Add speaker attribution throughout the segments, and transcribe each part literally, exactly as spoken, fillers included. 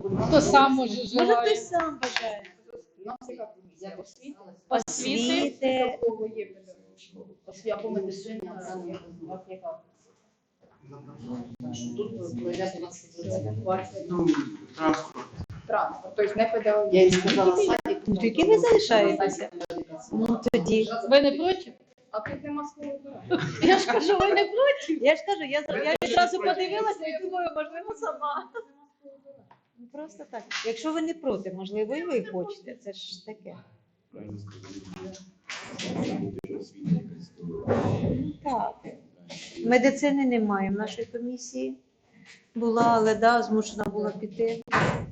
Speaker 1: Хто сам може
Speaker 2: Може,
Speaker 1: желає.
Speaker 2: хтось сам бажає.
Speaker 3: У нас яка комісія? Освіти?
Speaker 2: Освіти.
Speaker 3: У кого є педагогічна? Освіта по медицині? У вас яка? Тут пройде двадцять
Speaker 4: Транспорт.
Speaker 3: транспорт, тобто не педагогічна.
Speaker 4: Я їй сказала, садик.
Speaker 2: Ну, тільки ви залишаєтеся. Ну, тоді.
Speaker 1: Ви не проти?
Speaker 3: А тут нема слова обирати.
Speaker 1: Я ж кажу, ви не проти?
Speaker 2: Я ж кажу, я, я відразу подивилася і думаю, можливо, сама. Ну, просто так. Якщо ви не проти, можливо, і ви хочете. Це ж таке. Ну, так. Медицини немає в нашій комісії. Була, але да, змушена була піти.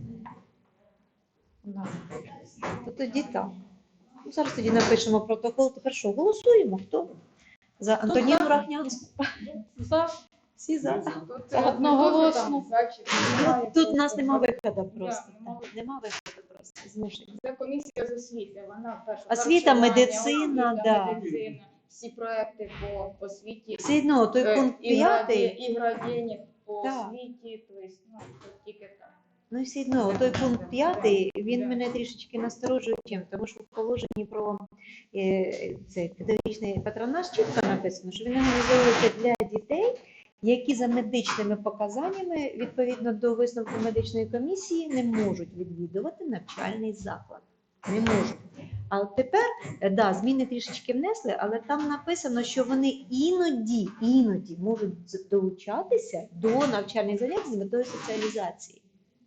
Speaker 2: Да. То тоді так. Ну, зараз тоді напишемо протокол. Тепер що, голосуємо? Хто? За Антоніну Рахнянську.
Speaker 1: За.
Speaker 2: Всі за.
Speaker 1: Одноголосно.
Speaker 2: Ну, тут у нас нема виходу просто. Нема виходу просто. Змушені.
Speaker 3: Це комісія з освіти, вона перша.
Speaker 2: Освіта,
Speaker 3: харчування,
Speaker 2: медицина,
Speaker 3: освіта,
Speaker 2: да.
Speaker 3: медицина, всі проекти по освіті.
Speaker 2: Все одно, той
Speaker 3: Е,
Speaker 2: пункт
Speaker 3: і граді-
Speaker 2: п'ятий,
Speaker 3: І градієнт по
Speaker 2: Так.
Speaker 3: освіті, тобто, ну, тут тільки так.
Speaker 2: ну і все одно, той пункт п'ятий, він мене трішечки насторожує чим, тому що в положенні про е, цей педагогічний патронаж чітко написано, що він організовується для дітей, які за медичними показаннями, відповідно до висновку медичної комісії, не можуть відвідувати навчальний заклад. Не можуть. А от тепер, е, да, зміни трішечки внесли, але там написано, що вони іноді, іноді можуть з- долучатися до навчальних занять з метою соціалізації.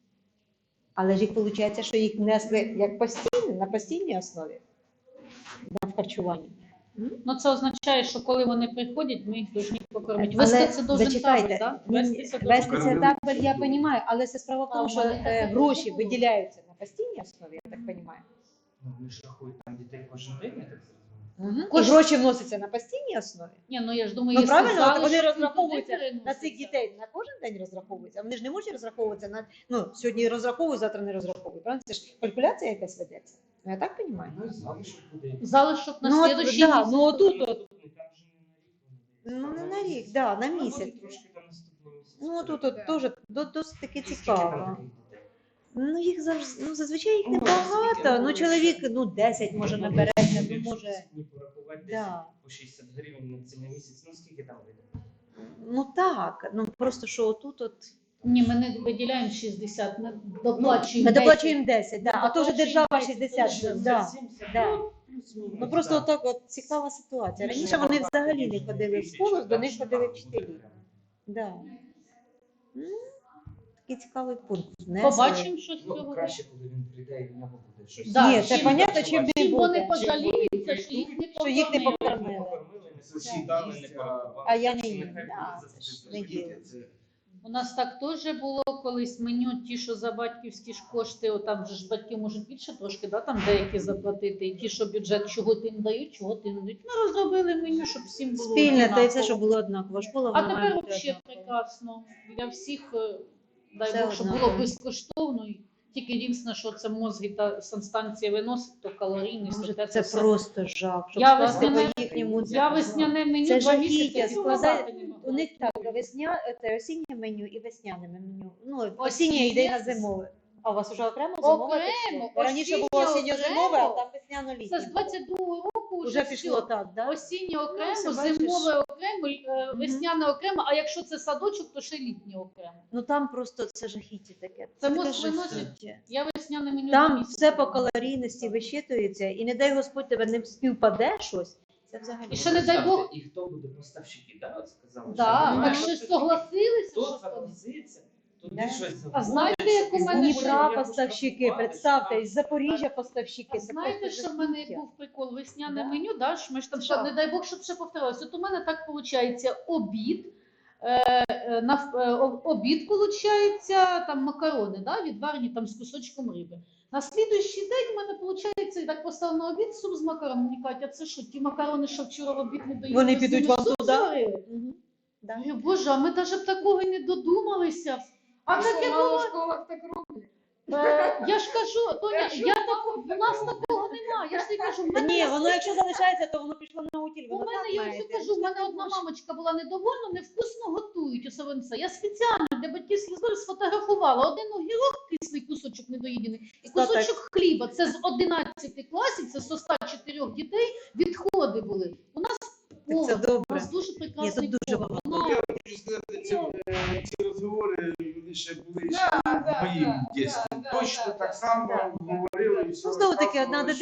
Speaker 2: Але ж їх виходить, що їх внесли як постійно, на постійній основі да, в харчуванні. М?
Speaker 1: Ну це означає, що коли вони приходять, ми їх повинні покормити.
Speaker 2: Але
Speaker 1: Вести це дуже
Speaker 2: зачекайте,
Speaker 1: так?
Speaker 2: ні,
Speaker 1: Вести це
Speaker 2: вести
Speaker 1: дуже
Speaker 2: це так, я розумію, але це справа в
Speaker 1: А,
Speaker 2: тому,
Speaker 1: у
Speaker 2: що
Speaker 1: мене
Speaker 2: е,
Speaker 1: таке
Speaker 2: гроші
Speaker 1: було.
Speaker 2: виділяються на постійній основі, я так розумію.
Speaker 4: Ну, вони ж рахують там дітей кожен день, я так зрозумів.
Speaker 2: Угу.
Speaker 1: Кож-
Speaker 2: І гроші вносяться на постійній основі.
Speaker 1: Ні, ну я ж думаю,
Speaker 2: Ну
Speaker 1: якщо
Speaker 2: правильно, от
Speaker 1: залишки,
Speaker 2: вони
Speaker 1: то
Speaker 2: розраховуються
Speaker 1: туди
Speaker 2: на цих
Speaker 1: переносяться.
Speaker 2: дітей на кожен день розраховуються. А вони ж не можуть розраховуватися на ну сьогодні розраховують, завтра не розраховують. Правильно? Це ж калькуляція якась ведеться. Ну я так розумію.
Speaker 4: Ну, і залишок буде.
Speaker 1: Залишок на
Speaker 2: Ну, от,
Speaker 1: слідущий
Speaker 2: да,
Speaker 1: місяць.
Speaker 2: ну отут от.
Speaker 4: Там же не на рік вони дають.
Speaker 2: Ну не на рік, да, на
Speaker 4: Ну,
Speaker 2: місяць.
Speaker 4: буде трошки там наступний місяць.
Speaker 2: Ну тут от теж до- досить таки
Speaker 4: Скільки
Speaker 2: цікаво.
Speaker 4: там таких дітей?
Speaker 2: Ну їх завжди, ну зазвичай їх
Speaker 4: Ну, скільки?
Speaker 2: небагато. Ну
Speaker 4: Ну,
Speaker 2: чоловік,
Speaker 4: ще-
Speaker 2: ну десять може
Speaker 4: Ну,
Speaker 2: набереться, ну
Speaker 4: якщо
Speaker 2: може.
Speaker 4: сьогодні порахувати десь
Speaker 2: Да.
Speaker 4: по шістдесят гривень на цілий місяць, ну скільки там вийде?
Speaker 2: Ну так, ну просто що отут от.
Speaker 1: Ні, ми не виділяємо шістдесят, ми доплачуємо
Speaker 2: Ми
Speaker 1: десять.
Speaker 2: доплачуємо десять, да, а то вже
Speaker 1: доплачуємо
Speaker 2: держава
Speaker 1: десять,
Speaker 2: шістдесят.
Speaker 1: це
Speaker 2: Да.
Speaker 4: сімдесят,
Speaker 2: да.
Speaker 4: ну, плюс-мінус,
Speaker 2: Ну просто
Speaker 4: да.
Speaker 2: отак от цікава ситуація.
Speaker 4: Ну,
Speaker 2: Раніше
Speaker 4: ну,
Speaker 2: вони
Speaker 4: так,
Speaker 2: взагалі не
Speaker 4: тисяча,
Speaker 2: ходили в
Speaker 4: тисяча,
Speaker 2: школу, до
Speaker 4: так,
Speaker 2: них
Speaker 4: що
Speaker 2: ходили
Speaker 4: там
Speaker 2: вчителі.
Speaker 4: буде прямо.
Speaker 2: Да. М, Такий цікавий пункт. внесли.
Speaker 1: Побачимо, що з
Speaker 4: Ну,
Speaker 1: цього.
Speaker 4: краще, коли він прийде і в нього буде щось.
Speaker 1: Да,
Speaker 2: Ні, це
Speaker 1: чим-
Speaker 2: понятно, чим не
Speaker 1: Чим вони
Speaker 2: буде.
Speaker 1: пожаліються, що їх не
Speaker 2: Що їх не
Speaker 1: покормили.
Speaker 2: покормили.
Speaker 4: Покормили, не сусідами, не по-
Speaker 2: А я не
Speaker 4: Нехай
Speaker 2: їм,
Speaker 4: буде
Speaker 2: да,
Speaker 4: за
Speaker 2: це ж
Speaker 4: це
Speaker 2: не
Speaker 4: діти,
Speaker 2: діло.
Speaker 4: це-
Speaker 1: У нас так теж було колись меню, ті, що за батьківські ж кошти, о, там же ж батьки можуть більше трошки, да, там деякі заплатити, і ті, що бюджет, чого ти не дають, чого ти не дають. Ми розробили меню, щоб всім було
Speaker 2: Спільне, та й
Speaker 1: однаково.
Speaker 2: все, щоб було однаково. Школа
Speaker 1: А
Speaker 2: вона має
Speaker 1: тепер
Speaker 2: бути
Speaker 1: взагалі
Speaker 2: однакова.
Speaker 1: прекрасно. Для всіх, е, дай
Speaker 2: Все
Speaker 1: Бог, щоб
Speaker 2: однаково.
Speaker 1: було безкоштовно. І тільки єдине, що це мозги та санстанція виносить, то калорійність.
Speaker 2: Боже,
Speaker 1: то
Speaker 2: це
Speaker 1: все.
Speaker 2: просто жах. Щоб
Speaker 1: Я
Speaker 2: скласти
Speaker 1: весняне-
Speaker 2: по їхньому.
Speaker 1: Я весняне меню
Speaker 2: Це
Speaker 1: два
Speaker 2: жахіття,
Speaker 1: місяці
Speaker 2: складає-
Speaker 1: сказати не могла.
Speaker 2: У них так, весня, це осіннє меню і весняне меню. Ну, осіннє
Speaker 1: Осіннє?
Speaker 2: йде на зимове. А у вас вже окремо зимове?
Speaker 1: Окремо,
Speaker 2: чи що? Раніше було
Speaker 1: осіннє
Speaker 2: осінньо-зимове, а
Speaker 1: окремо.
Speaker 2: там
Speaker 1: Це
Speaker 2: весняно-літнє.
Speaker 1: з двадцять другого року вже,
Speaker 2: Вже пішло
Speaker 1: все.
Speaker 2: так, да?
Speaker 1: Осіннє окремо,
Speaker 2: все, бачиш.
Speaker 1: зимове окремо, е, весняне окремо, а якщо це садочок, то ще літнє окремо.
Speaker 2: Ну там просто це жахіття таке.
Speaker 1: Це
Speaker 2: таке
Speaker 1: мозг виносить.
Speaker 2: жахіття.
Speaker 1: Я весняне меню два
Speaker 2: Там
Speaker 1: місяці
Speaker 2: все по
Speaker 1: робила.
Speaker 2: калорійності вищитується, і не дай Господь тебе не співпаде щось. Це взагалі.
Speaker 1: І ще не дай Бог.
Speaker 4: І хто буде поставщики, да, от сказали?
Speaker 1: Да,
Speaker 4: що
Speaker 1: так
Speaker 4: немає
Speaker 1: ще
Speaker 4: поставщиків.
Speaker 1: согласилися,
Speaker 4: Хто
Speaker 1: що
Speaker 4: согласиться, тут
Speaker 2: Да.
Speaker 4: щось
Speaker 1: А
Speaker 4: забудеш,
Speaker 1: знаєте, як у
Speaker 4: і
Speaker 1: мене
Speaker 4: буде,
Speaker 2: Дніпра
Speaker 4: як
Speaker 2: поставщики,
Speaker 4: штрафувати,
Speaker 2: представте,
Speaker 4: що
Speaker 2: із Запоріжжя поставщики.
Speaker 1: А
Speaker 2: Це
Speaker 1: знаєте,
Speaker 2: просто
Speaker 1: що в мене
Speaker 2: жахіття.
Speaker 1: був прикол? Весняне
Speaker 2: Да.
Speaker 1: меню, да, що ми ж там,
Speaker 2: Це
Speaker 1: ще,
Speaker 2: що?
Speaker 1: не дай Бог, щоб ще повторилось. От у мене так виходить обід, е, е, на, е, о- обід, виходить, там макарони, да, відварені там з кусочком риби. На слідуючий день в мене, виходить, так поставив на обід суп з макароном. Мені кажуть, а це що, ті макарони, що вчора в обід не доїли?
Speaker 2: Вони
Speaker 1: ви з
Speaker 2: підуть
Speaker 1: ними
Speaker 2: вам
Speaker 1: суп
Speaker 2: туди?
Speaker 1: зварили?
Speaker 2: Мгм. Да.
Speaker 1: Я говорю, Боже, а ми навіть б такого й не додумалися. А
Speaker 3: А
Speaker 1: таке
Speaker 3: що, мало
Speaker 1: було.
Speaker 3: в школах так роблять?
Speaker 1: Е, я ж кажу, Тоня, я так, у нас такого немає. Я ж тобі кажу, в
Speaker 2: Та
Speaker 1: мене
Speaker 2: ні,
Speaker 1: є
Speaker 2: воно якщо залишається, то воно пішло на утіль.
Speaker 1: У
Speaker 2: Воно
Speaker 1: мене,
Speaker 2: так
Speaker 1: я
Speaker 2: має.
Speaker 1: вже кажу, в мене одна мамочка була недовольна, невкусно готують у Савинця. Я спеціально для батьківських зборів сфотографувала один огірок, кислий кусочок недоїдений, і
Speaker 2: Та
Speaker 1: кусочок хліба. Це з одинадцяти класів, це з ста чотирьох дітей відходи були. У нас повар,
Speaker 2: Це
Speaker 1: у
Speaker 2: добре.
Speaker 1: нас дуже
Speaker 2: Ні,
Speaker 1: прекрасний
Speaker 2: тут дуже
Speaker 1: повар.
Speaker 2: багато.
Speaker 1: Вона-
Speaker 5: Я хочу сказати, ці, е, ці розговори вони ще були ще
Speaker 3: Да,
Speaker 5: в
Speaker 3: да,
Speaker 5: моїм
Speaker 3: да,
Speaker 5: дітстві.
Speaker 3: да,
Speaker 5: Точно
Speaker 3: да,
Speaker 5: так
Speaker 3: да.
Speaker 5: само
Speaker 2: Да.
Speaker 5: говорили і
Speaker 2: Ну,
Speaker 5: все
Speaker 2: знову таки,
Speaker 5: розказували,
Speaker 2: одна
Speaker 5: що